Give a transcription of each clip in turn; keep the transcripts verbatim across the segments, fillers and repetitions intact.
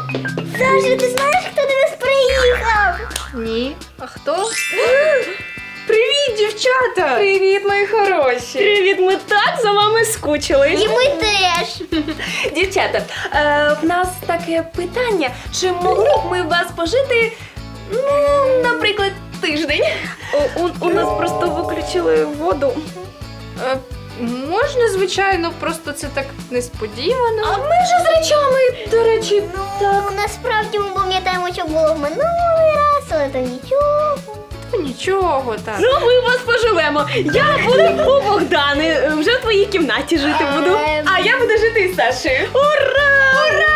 Саша, ти знаєш, хто до нас приїхав? Ні. А хто? Привіт, дівчата! Привіт, мої хороші! Привіт, ми так за вами скучили. І ми теж. Дівчата, е, в нас таке питання, чи могли б ми в вас пожити, ну, наприклад, тиждень? У, у, у нас просто виключили воду. Е, можна, звичайно, просто це так несподівано. А ми ж з речами, до речі, Ну, насправді ми пам'ятаємо, що було в минулий раз, але то нічого. Та нічого так. Ну, ми у вас поживемо. Я буду у Богдани, вже в твоїй кімнаті жити буду. Ем, а я буду жити із Сашею. Ура! Ура!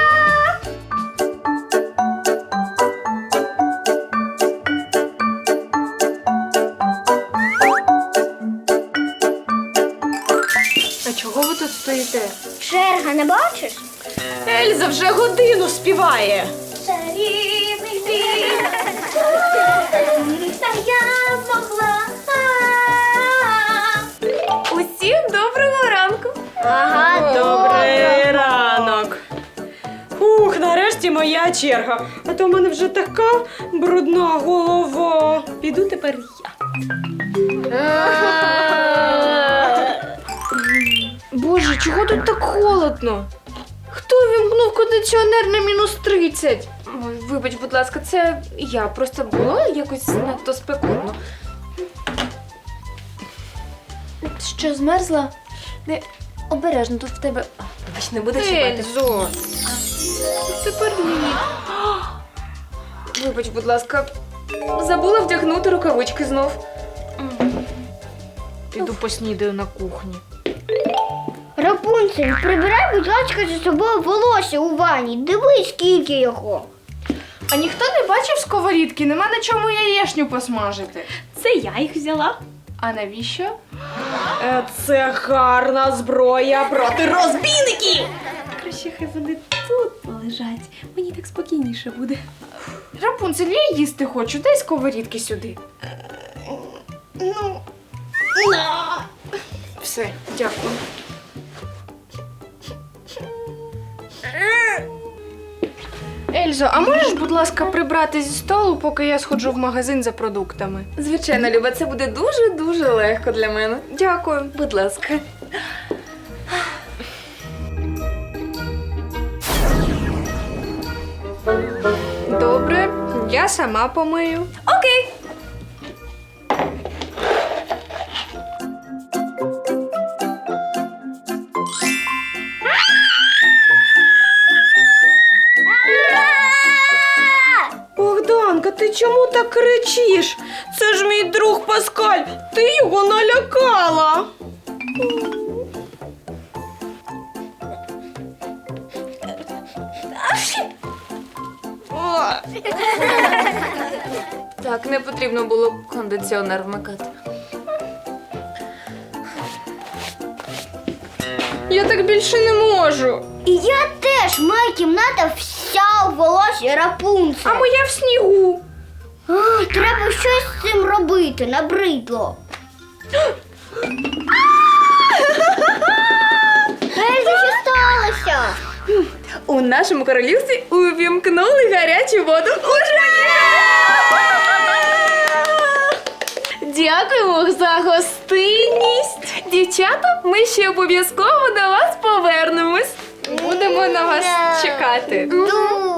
А чого ви тут стоїте? Черга, не бачиш? Ельза вже годину співає. Чарівний світ, та я змогла. Усім доброго ранку. Ага, Добрий ранок. Ух, нарешті моя черга. А то в мене вже така брудна голова. Піду тепер я. Боже, чого тут так холодно? Хто вімкнув кондиціонер на мінус тридцять? Ой, вибач, будь ласка, це я. Просто було якось надто спекотно. Що, змерзла? Не, обережно, тут в тебе... А, вибач, не буде чіпати. Ельзо. Тепер ні. Вибач, будь ласка, забула вдягнути рукавички знов. Піду поснідаю на кухні. Рапунцель, прибирай, будь ласка, за собою волосся у ванні. Дивись, скільки його. А ніхто не бачив сковорідки? Нема на чому яєшню посмажити. Це я їх взяла. А навіщо? Е, Це гарна зброя проти розбійників. Краще хай вони тут полежать. Мені так спокійніше буде. Рапунцель, я їсти хочу, дай сковорідки сюди. Ну, Все, дякую. Ельзо, а можеш, будь ласка, прибрати зі столу, поки я сходжу в магазин за продуктами? Звичайно, Люба, це буде дуже-дуже легко для мене. Дякую. Будь ласка. Добре, я сама помию. Окей. Богданка, ти чому так кричиш? Це ж мій друг Паскаль. Ти його налякала. Так, не потрібно було кондиціонер вмикати. Я так більше не можу. і я теж, моя кімната вся у волосі Рапунцель. А моя в снігу. А, треба щось з цим робити, набридло. Ельза, що сталося? У нашому королівстві увімкнули гарячу воду. Ура! Дякуємо за гостинність. Дівчата, ми ще обов'язково до вас повернемось. Будемо на вас чекати. Дуже.